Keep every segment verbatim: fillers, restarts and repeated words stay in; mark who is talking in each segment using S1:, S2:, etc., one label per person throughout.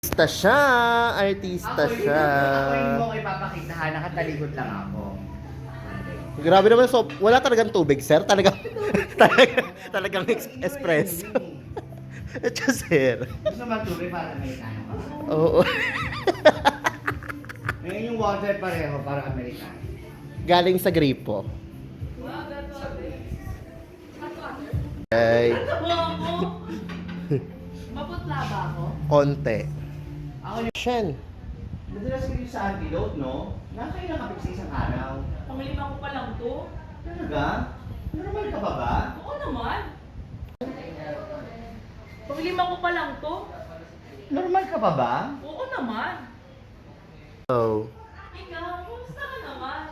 S1: Artista siya! Artista
S2: Ako,
S1: siya!
S2: Ako yung mo ko ipapakita ha, nakatalikod lang ako.
S1: Grabe naman, so, wala talagang tubig, sir. Talagang, talagang, talagang ex- espresso. Ito, sir.
S2: Gusto mo tubig para Amerikano ka?
S1: Oo.
S2: Ngayon yung water pareho para Amerikano.
S1: Galing sa gripo. Ay,
S3: Maputla ba ako?
S1: konti.
S2: Ako yung...
S1: Shen.
S2: Madalas kayo sa antidote, no? Nakakain na kapit sa isang araw.
S3: Panglima ko pa lang to.
S2: Talaga? Normal ka ba ba?
S3: Oo naman. Panglima ko pa lang to.
S2: Normal ka ba ba?
S3: Oo naman.
S1: Oh.
S3: Ikaw, kumusta ka naman?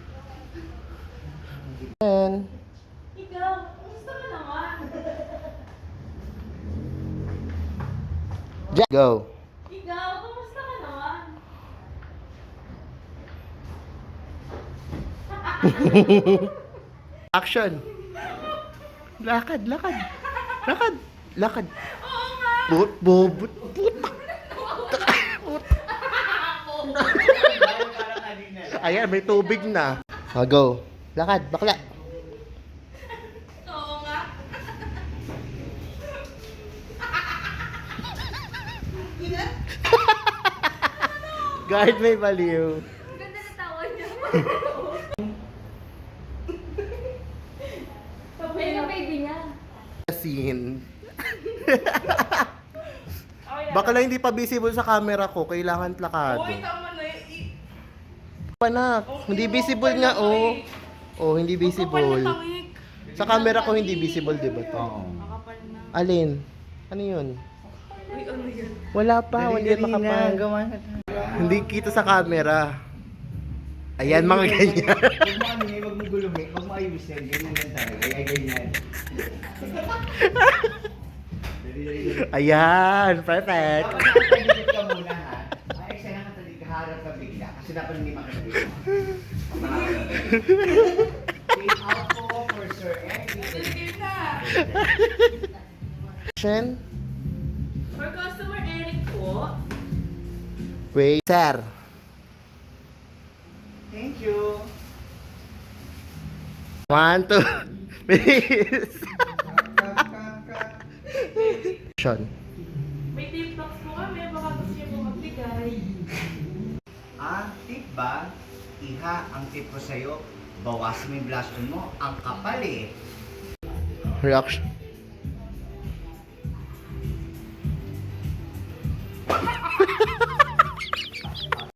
S1: Shen.
S3: Ikaw, kumusta ka naman?
S1: Jack. Go.
S3: Ikaw, kumusta ka naman?
S1: Action. Lakad, lakad. Lakad, lakad.
S3: Oo nga.
S1: But, but, but,
S2: Parang kanina.
S1: Ayan, may tubig na. Ah, go. Lakad, bakla.
S3: Oo nga.
S1: Guard may baliw.
S3: Ganda na tawa niya. Ayun ang baby niya.
S1: Scene.
S3: Okay na.
S1: Baka lang hindi pa visible sa camera ko. Kailangan plakado.
S3: Uy, tama na eh.
S1: Panak. Hindi visible nga, oh. Oh, hindi visible. Sa camera ko hindi visible, di ba to?
S2: Oo.
S3: Makapal na.
S1: Alin? Ano yun?
S3: Uy, ano yan?
S1: Wala pa, hindi yan makapal. Hindi kita sa camera. Ayan, mga ganyan.
S2: Huwag mo ano, huwag mo gulumi, huwag mo ayusin. Ganyan lang talaga. Ay, ganyan. Dali, dali, dali.
S1: Ayan, perfect.
S2: Dapat nakatalikod ka muna ha. Ay, eksena nakatalikod ka, harap ka bigla. Kasi dapat hindi makatalikod. Take out po for Sir Eric.
S3: Sige na.
S1: Shen?
S3: For customer Eric po.
S1: Wait. Sir.
S2: Thank you.
S1: One, two, please. Shen.
S3: May tip box po kami. Baka gusto niyo po magbigay.
S2: Ah, tip ba? Iha, ang tip ko sa'yo, bawasan mo yung blush on mo. Ang kapal eh.
S1: Reaction.